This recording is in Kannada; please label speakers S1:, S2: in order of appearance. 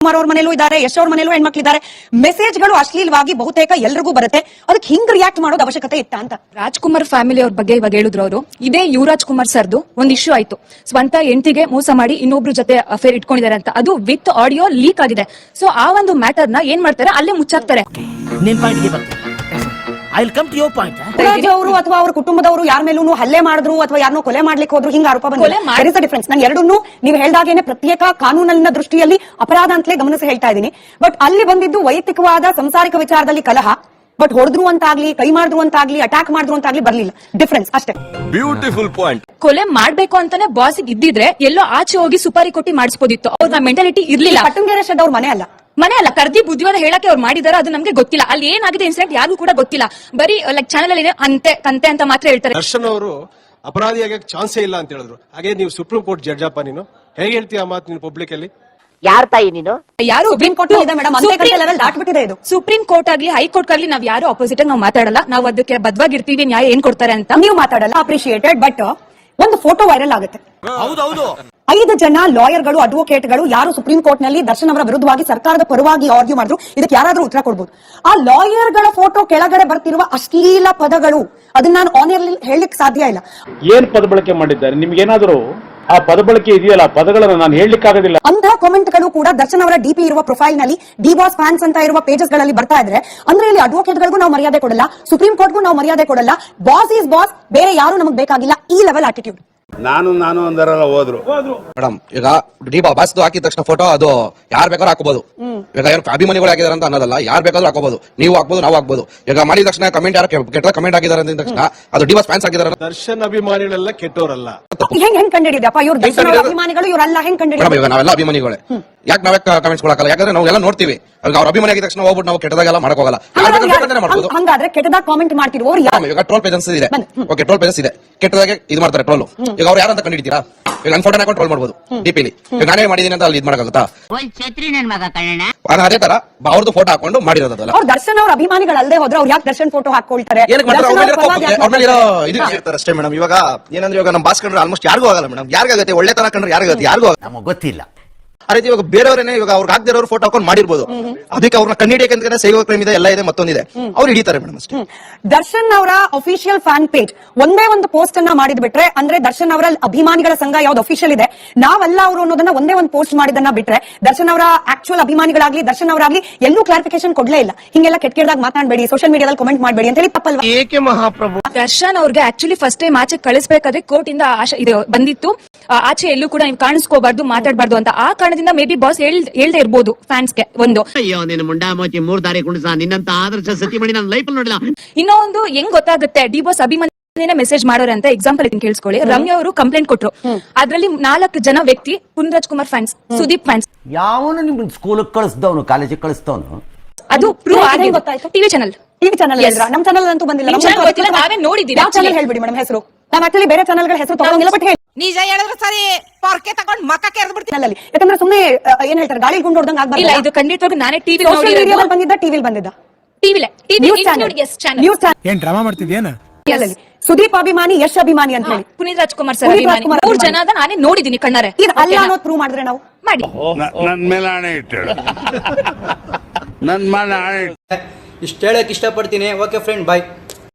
S1: ಕುಮಾರ್ ಅವ್ರ ಮನೇಲೂ ಇದ್ದಾರೆ, ಯಶ್ ಅವ್ರ ಮನೇಲೂ ಹೆಣ್ಮಕ್ಳಿದ್ದಾರೆ. ಮೆಸೇಜ್ಗಳು ಅಶ್ಲೀಲವಾಗಿ ಬಹುತೇಕ ಎಲ್ರಿಗೂ ಬರುತ್ತೆ. ಅದಕ್ಕೆ ಹಿಂಗ್ ರಿಯಾಕ್ಟ್ ಮಾಡೋದು ಅವಶ್ಯಕತೆ ಇತ್ತ ಅಂತ.
S2: ರಾಜ್ಕುಮಾರ್ ಫ್ಯಾಮಿಲಿ ಅವ್ರ ಬಗ್ಗೆ ಇವಾಗ ಹೇಳಿದ್ರು ಅವರು. ಇದೇ ಯುವರಾಜ್ ಕುಮಾರ್ ಸರ್ದು ಒಂದ್ ಇಶ್ಯೂ ಆಯ್ತು, ಸ್ವಂತ ಹೆಂಡತಿಗೆ ಮೋಸ ಮಾಡಿ ಇನ್ನೊಬ್ರು ಜೊತೆ ಅಫೇರ್ ಇಟ್ಕೊಂಡಿದ್ದಾರೆ ಅಂತ. ಅದು ವಿತ್ ಆಡಿಯೋ ಲೀಕ್ ಆಗಿದೆ. ಸೊ ಆ ಒಂದು ಮ್ಯಾಟರ್ ನ ಏನ್ ಮಾಡ್ತಾರೆ, ಅಲ್ಲೇ ಮುಚ್ಚಾಕ್ತಾರೆ.
S1: ಅವರು ಅಥವಾ ಅವ್ರ ಕುಟುಂಬದವರು ಯಾರ ಮೇಲೂ ಹಲ್ಲೆ ಮಾಡಿದ್ರು ಅಥವಾ ಯಾರನ್ನೋ ಕೊಲೆ ಮಾಡ್ಲಿಕ್ಕೆ ಹೋದ್ರು, ಹಿಂಗ ಆರೋಪ ಬಂದಿದೆ. ಡಿಫರೆನ್ಸ್. ನಾನು ಎರಡನ್ನೂ ನೀವು ಹೇಳ್ದಾಗೇನೆ ಪ್ರತ್ಯೇಕ ಕಾನೂನಿನ ದೃಷ್ಟಿಯಲ್ಲಿ ಅಪರಾಧ ಅಂತಲೇ ಗಮನಿಸಿ ಹೇಳ್ತಾ ಇದ್ದೀನಿ. ಬಟ್ ಅಲ್ಲಿ ಬಂದಿದ್ದು ವೈಯಕ್ತಿಕವಾದ ಸಂಸಾರಿಕ ವಿಚಾರದಲ್ಲಿ ಕಲಹ. ಬಟ್ ಹೊಡೆದ್ರು ಅಂತಾಗ್ಲಿ, ಕೈ ಮಾಡಿದ್ರು ಅಂತಾಗ್ಲಿ, ಅಟ್ಯಾಕ್ ಮಾಡಿದ್ರು ಅಂತಾಗ್ಲಿ ಬರ್ಲಿಲ್ಲ. ಡಿಫರೆನ್ಸ್ ಅಷ್ಟೇ.
S3: Beautiful point.
S2: ಕೊಲೆ ಮಾಡ್ಬೇಕು ಅಂತಾನೆ ಬಾಸ್ ಇದ್ದಿದ್ರೆ ಎಲ್ಲೋ ಆಚೆ ಹೋಗಿ ಸುಪಾರಿ ಕೊಟ್ಟಿ ಮಾಡಿಸ್ಬೋದಿತ್ತು. ಅವ್ರ ಮೆಂಟಾಲಿಟಿ ಇರ್ಲಿಲ್ಲ.
S1: ಪಟ್ಟಂಗೆರೆ ಶೆಡ್ ಅವ್ರ ಮನೆ ಅಲ್ಲ, ಕರ್ದಿ ಬುದ್ಧಿವಾದ ಹೇಳಕ್ಕೆ ಅವ್ರು ಮಾಡಿದಾರೆ, ಅದು ನಮ್ಗೆ ಗೊತ್ತಿಲ್ಲ. ಅಲ್ಲಿ ಏನಾಗಿದೆ ಇನ್ಸಿಡೆಂಟ್ ಯಾರಿಗೂ ಕೂಡ ಗೊತ್ತಿಲ್ಲ. ಬರೀ ಲೈಕ್ ಚಾನಲ್ ಅಲ್ಲಿ ಕಂತೆ ಅಂತ ಮಾತ್ರ ಹೇಳ್ತಾರೆ.
S4: ದರ್ಶನ್ ಅವರು ಅಪರಾಧಿಯಾಗಕ್ಕೆ ಚಾನ್ಸೇ ಇಲ್ಲ ಅಂತ ಹೇಳಿದ್ರು. ಹಾಗೆ ನೀವು ಸುಪ್ರೀಂ ಕೋರ್ಟ್ ಜಡ್ಜ್ ಅಪ್ಪ, ನೀನು ಹೇಗೆ ಹೇಳ್ತೀಯ ಮಾತು ನೀನು ಪಬ್ಲಿಕ್ ಅಲ್ಲಿ?
S5: ಯಾರ ತಾಯಿ ನೀನು?
S2: ಯಾರು
S1: ಸುಪ್ರೀಂ ಕೋರ್ಟ್ ದಾಟ್ಬಿಟ್ಟಿದೆ ಇದು.
S2: ಸುಪ್ರೀಂ ಕೋರ್ಟ್ ಆಗ್ಲಿ ಹೈಕೋರ್ಟ್ ಆಗ್ಲಿ ನಾವ್ ಯಾರು ಅಪೋಸಿಟ್ ನಾವು ಮಾತಾಡಲ್ಲ. ನಾವು ಅದಕ್ಕೆ ಬದ್ವಾಗಿರ್ತೀವಿ, ನ್ಯಾಯ ಏನ್ ಕೊಡ್ತಾರೆ ಅಂತ
S1: ನೀವು ಮಾತಾಡಲ್ಲ. ಅಪ್ರಿಶಿಯೇಟೆಡ್. ಬಟ್ ಒಂದು ಫೋಟೋ ವೈರಲ್ ಆಗುತ್ತೆ. 5 ಜನ ಲಾಯರ್ಗಳು, ಅಡ್ವೊಕೇಟ್ಗಳು ಯಾರು ಸುಪ್ರೀಂ ಕೋರ್ಟ್ ನಲ್ಲಿ ದರ್ಶನ್ ಅವರ ವಿರುದ್ಧವಾಗಿ ಸರ್ಕಾರದ ಪರವಾಗಿ ಆರ್ಗ್ಯೂ ಮಾಡಿದ್ರು, ಇದಕ್ಕೆ ಯಾರಾದ್ರೂ ಉತ್ತರ ಕೊಡ್ಬೋದು. ಆ ಲಾಯರ್ಗಳ ಫೋಟೋ ಕೆಳಗಡೆ ಬರ್ತಿರುವ ಅಶ್ಲೀಲ ಪದಗಳು, ಅದನ್ನ ನಾನು ಆನರ್ಲಿ ಹೇಳಲಿಕ್ಕೆ ಸಾಧ್ಯ ಇಲ್ಲ.
S6: ಏನ್ ಪದ ಬಳಕೆ ಮಾಡಿದ್ದಾರೆ, ನಿಮ್ಗೇನಾದ್ರೂ ಆ ಪದ ಬಳಕೆ ಇದೆಯಲ್ಲ, ಪದಗಳನ್ನು ನಾನು ಹೇಳಲಿಕ್ಕೆ ಆಗೋದಿಲ್ಲ.
S1: ಅಂತಹ ಕಾಮೆಂಟ್ಗಳು ಕೂಡ ದರ್ಶನ್ ಅವರ ಡಿಪಿ ಇರುವ ಪ್ರೊಫೈಲ್ ನಲ್ಲಿ ಡಿ ಬಾಸ್ ಫ್ಯಾನ್ಸ್ ಅಂತ ಇರುವ ಪೇಜಸ್ ಗಳಲ್ಲಿ ಬರ್ತಾ ಇದ್ರೆ, ಅಂದ್ರೆ ಇಲ್ಲಿ ಅಡ್ವೊಕೇಟ್ಗಳಿಗೂ ನಾವು ಮರ್ಯಾದೆ ಕೊಡಲ್ಲ, ಸುಪ್ರೀಂ ಕೋರ್ಟ್ಗೂ ನಾವು ಮರ್ಯಾದೆ ಕೊಡಲ್ಲ. ಬಾಸ್ ಈಸ್ ಬಾಸ್, ಬೇರೆ ಯಾರು ನಮಗೆ ಬೇಕಾಗಿಲ್ಲ. ಈ ಲೆವೆಲ್ ಆಟಿಟ್ಯೂಡ್.
S6: ನಾನು ಅಂದರಲ್ಲ ಹೋದ್ರು
S3: ಮೇಡಮ್. ಈಗ ಡಿ ಬಾಸ್ ಹಾಕಿದ ತಕ್ಷಣ ಫೋಟೋ ಅದು ಯಾರು ಬೇಕಾದ್ರೂ ಹಾಕೋಬಹುದು. ಈಗ ಯಾರು ಅಭಿಮಾನಿಗಳು ಹಾಕಿದಾರೆ ಅಂತ ಅನ್ನೋದಲ್ಲ, ಯಾರು ಬೇಕಾದ್ರೂ ಹಾಕೋಬಹುದು. ನೀವು ಹಾಕ್ಬೋದು, ನಾವು ಹಾಕ್ಬೋದು. ಈಗ ಮಾಡಿದ ತಕ್ಷಣ ಕಮೆಂಟ್ ಯಾರು ಕೆಟ್ಟ ಕಮೆಂಟ್ ಆಗಿದ್ದಾರೆ ಅಂದ ತಕ್ಷಣ ಅದು ಡಿ ಬಾಸ್ ಫ್ಯಾನ್ಸ್ ಆಗಿದ್ದಾರೆ.
S4: ದರ್ಶನ್ ಅಭಿಮಾನಿಗಳೆಲ್ಲ ಕೆಟ್ಟವರಲ್ಲ.
S1: ಹೆಂಗ್ ಕಂಡಿಡಿದಪ್ಪ ಇವ್ರು ದರ್ಶನ್ ಅಭಿಮಾನಿಗಳು? ಇವರೆಲ್ಲ ಹೆಂಗ್ ಕಂಡಿಡಿದ್ರು?
S3: ಈಗ ನಾವೆಲ್ಲ ಅಭಿಮಾನಿಗಳೇ. ಯಾಕೆ ನಾವೇ ಕಮೆಂಟ್ಸ್ ಕೊಡಕಲ್ಲ? ಯಾಕಂದ್ರೆ ನಾವೆಲ್ಲ ನೋಡ್ತೀವಿ. ಅವ್ರ ಅಭಿಮಾನಿ ಆಗಿದ ತಕ್ಷಣ ಹೋಗ್ಬಿಟ್ಟು ನಾವು ಕೆಟ್ಟದಾಗೆಲ್ಲ ಮಾಡಕ್ ಹೋಗಲ್ಲ.
S1: ಹಂಗಾದ್ರೆ ಕೆಟ್ಟದಾಗ ಕಾಮೆಂಟ್ ಮಾಡ್ತಿರೋರು
S3: ಈಗ ಟ್ರೋಲ್ ಪೇಜಸ್ ಇದೆ. ಓಕೆ, ಟ್ರೋಲ್ ಪೇಜಸ್ ಇದೆ. ಕೆಟ್ಟದಾಗೆ ಇದು ಮಾಡ್ತಾರೆ ಟ್ರೋಲ್. ಈಗ ಅವ್ರು ಯಾರಂತ ಕಂಡಿಡ್ತೀರಾ? ಈಗ ನನ್ನ ಫೋಟೋ ಹಾಕೊಂಡು ಟ್ರೋಲ್ ಮಾಡ್ಬೋದು ಡಿಪಿಲಿ. ಈಗ ನಾನೇ ಮಾಡಿದೀನಿ ಅಂತ ಅಲ್ಲಿ ಇದು ಮಾಡಕ್ಕಾಗುತ್ತಾ? ಅದೇ ತರ ಅವ್ರದ್ದು ಫೋಟೋ ಹಾಕೊಂಡು ಮಾಡಿರೋದಲ್ಲ.
S1: ಅವ್ರು ದರ್ಶನ್ ಅವ್ರ ಅಭಿಮಾನಿಗಳಲ್ಲದೆ ಹೋದ್ರೆ ಅವ್ರು ಯಾಕೆ ದರ್ಶನ್ ಫೋಟೋ ಹಾಕೊಳ್ತಾರೆ?
S3: ಅಷ್ಟೇ ಮೇಡಮ್. ಇವಾಗ ಏನಂದ್ರೆ ಇವಾಗ ನಮ್ಮ ಬಾಸ್ ಕಂಡ್ರೆ ಆಲ್ಮೋಸ್ಟ್ ಯಾರಿಗೂ ಆಗಲ್ಲ ಮೇಡಮ್. ಯಾರಿಗಾಗುತ್ತೆ? ಒಳ್ಳೆ ತರ ಕಂಡ್ರೆ ಯಾರಿಗಾಗುತ್ತೆ? ಯಾರಿಗೂ
S5: ನಮಗೆ ಗೊತ್ತಿಲ್ಲ.
S3: ಅದೇ ಇವಾಗ ಬೇರೆಯವರೇನೆ ಇವಾಗ ಅವ್ರಿಗೆ ಆಗದಿರೋರು ಫೋಟೋ ಹಾಕೊಂಡು ಮಾಡಿರ್ಬೋದು. ಅದಕ್ಕೆ ಅವ್ರನ್ನ ಕಂಡಿಡಿಯಕ್ಕೆ ಸೈಬರ್ ಕ್ರೈಮ್ ಇದೆ, ಎಲ್ಲ ಇದೆ, ಮತ್ತೊಂದಿದೆ. ಅವ್ರು ಹಿಡಿತಾರೆ ಮೇಡಮ್ ಅಷ್ಟೇ.
S1: ದರ್ಶನ್ ಅವರ ಅಫಿಷಿಯಲ್ ಫ್ಯಾನ್ ಪೇಜ್ ಒಂದೇ ಒಂದು ಪೋಸ್ಟ್ ಅನ್ನ ಮಾಡಿದ್ ಬಿಟ್ರೆ, ಅಂದ್ರೆ ದರ್ಶನ್ ಅವರ ಅಭಿಮಾನಿಗಳ ಸಂಘ ಯಾವ್ದು ಅಫಿಷಿಯಲ್ ಇದೆ, ನಾವಲ್ಲ ಅವರು ಅನ್ನೋದನ್ನ ಒಂದೇ ಒಂದು ಪೋಸ್ಟ್ ಮಾಡಿದನ್ನ ಬಿಟ್ರೆ, ದರ್ಶನ್ ಅವರ ಆಕ್ಚುಯಲ್ ಅಭಿಮಾನಿಗಳಾಗ್ಲಿ ದರ್ಶನ್ ಅವರಾಗ್ಲಿ ಎಲ್ಲೂ ಕ್ಲಾರಿಫಿಕೇಶನ್ ಕೊಡ್ಲೇ ಇಲ್ಲ. ಹಿಂಗೆಲ್ಲ ಕೆಟ್ಟದಾಗ ಮಾತಾಡಬೇಡಿ, ಸೋಷಿಯಲ್ ಮೀಡಿಯಾದಲ್ಲಿ ಕಮೆಂಟ್ ಮಾಡಬೇಡಿ ಅಂತ ಹೇಳಿ ತಪ್ಪಲ್ವಾ?
S6: ಏಕೆ ಮಹಾಪ್ರಭು
S2: ದರ್ಶನ್ ಅವ್ರಿಗೆ ಆಕ್ಚುಲಿ ಫಸ್ಟ್ ಟೈಮ್ ಆಚೆ ಕಳಿಸಬೇಕಾದ್ರೆ ಕೋರ್ಟ್ ಇಂದ ಇದು ಬಂದಿತ್ತು, ಆಚೆ ಎಲ್ಲೂ ಕೂಡ ನೀವು ಕಾಣಿಸ್ಕೋಬಾರ್ದು, ಮಾತಾಡಬಾರ್ದು ಅಂತ. ಆ ಕಾರಣದಿಂದ ಮೇ ಬಿ ಬಾಸ್ ಹೇಳ್ದೆ ಇರ್ಬೋದು ಫ್ಯಾನ್ಸ್ಗೆ. ಒಂದು
S5: ಅಯ್ಯೋ ನಿನ್ನ ಮುಂಡಾ ಮೋಚಿ 3 ದಾರಿ ಕುಣಿಸ, ನಿನ್ನಂತ ಆದರ್ಶ ಸತಿ ಮಾಡಿ ನನ್ನ ಲೈಫ್ ನೋಡಿಲ್ಲ.
S2: ಇನ್ನೂ ಒಂದು ಹೆಂಗ್ ಗೊತ್ತಾಗುತ್ತೆ ಡಿ ಬಾಸ್ ಅಭಿಮಾನಿ ಮೆಸೇಜ್ ಮಾಡೋರೆ ಅಂತ? ಎಕ್ಸಾಂಪಲ್ ಇದನ್ನ ಕೇಳಿಸ್ಕೊಳ್ಳಿ. ರಮ್ಯಾ ಅವರು ಕಂಪ್ಲೇಂಟ್ ಕೊಟ್ರು. ಅದ್ರಲ್ಲಿ 4 ಜನ ವ್ಯಕ್ತಿ ಪುನರಾಜ್ ಕುಮಾರ್ ಫ್ಯಾನ್ಸ್, ಸುದೀಪ್ ಫ್ಯಾನ್ಸ್.
S7: ಯಾವನು ನಿಮ್ ಸ್ಕೂಲ್ ಕಳಿಸ್ದವನು, ಕಾಲೇಜಿಗೆ ಕಳಿಸ್ದವನು,
S1: ಅದು
S2: ಪ್ರೂವ್ ಆಗಿ ಗೊತ್ತಾಯ್ತು. ಟಿವಿ ಚಾನಲ್ ನಮ್ ಚಾನಲ್ ಅಂತೂ ಬಂದಿಲ್ಲ. ನಾವೇ ನೋಡಿದ್ದೀವಿ. ಯಾವ ಚಾನಲ್ ಹೇಳ್ಬಿಡಿ ಮೇಡಮ್ ಹೆಸರು? ನಾವ್ ಆಕ್ಚುಲಿ ಬೇರೆ ಚಾನಲ್ಗಳ ಹೆಸರು ತಗೊಂಡಿಲ್ಲ. ಬಟ್
S8: ನಿಜ ಹೇಳಿದ್ರೆ ಸರಿ, ಪೊರ್ಕೆ ತಗೊಂಡ್ ಮಕ್ಕ ಕೆರೆದು ಬಿಡ್ತೀನಿ.
S1: ಯಾಕಂದ್ರೆ ಸುಮ್ಮನೆ ಏನ್ ಹೇಳ್ತಾರೆ, ಗಾಳಿ ಗುಂಡು ಹೊಡೆದಂಗ ಆಗ್ಬಾರ್ದು.
S2: ಇಲ್ಲ, ಇದು ಖಂಡಿತವಾಗಿ ನಾನೇ ಟಿವಿ
S1: ಬಂದಿದ್ದ, ಟಿವಿಲ್ ಬಂದಿದ್ದ.
S8: ನ್ಯೂಸ್ ಏನ್ ಡ್ರಾಮಾ ಮಾಡ್ತಿದ್ಯೇನ?
S1: ಸುದೀಪ್ ಅಭಿಮಾನಿ, ಯಶ್ ಅಭಿಮಾನಿ ಅಂತ ಹೇಳಿ
S2: ಪುನೀತ್ ರಾಜ್ಕುಮಾರ್ ಸರ್ ಅಭಿಮಾನಿ 3 ಜನ ನಾನೇ ನೋಡಿದೀನಿ ಕಣ್ಣಾರೆ.
S1: ಇದು ಅಲ್ಲ ಅನ್ನೋದು ಪ್ರೂವ್ ಮಾಡಿದ್ರೆ ನಾವು
S2: ಮಾಡಿ.
S6: ನನ್ ಮೇಲೆ ಆಣೆ ಇಟ್ಟು ನನ್ ಮೇಲೆ ಆಣೆ
S9: ಇಷ್ಟ ಹೇಳಕ್ ಇಷ್ಟಪಡ್ತೀನಿ. ಓಕೆ ಫ್ರೆಂಡ್, ಬಾಯ್.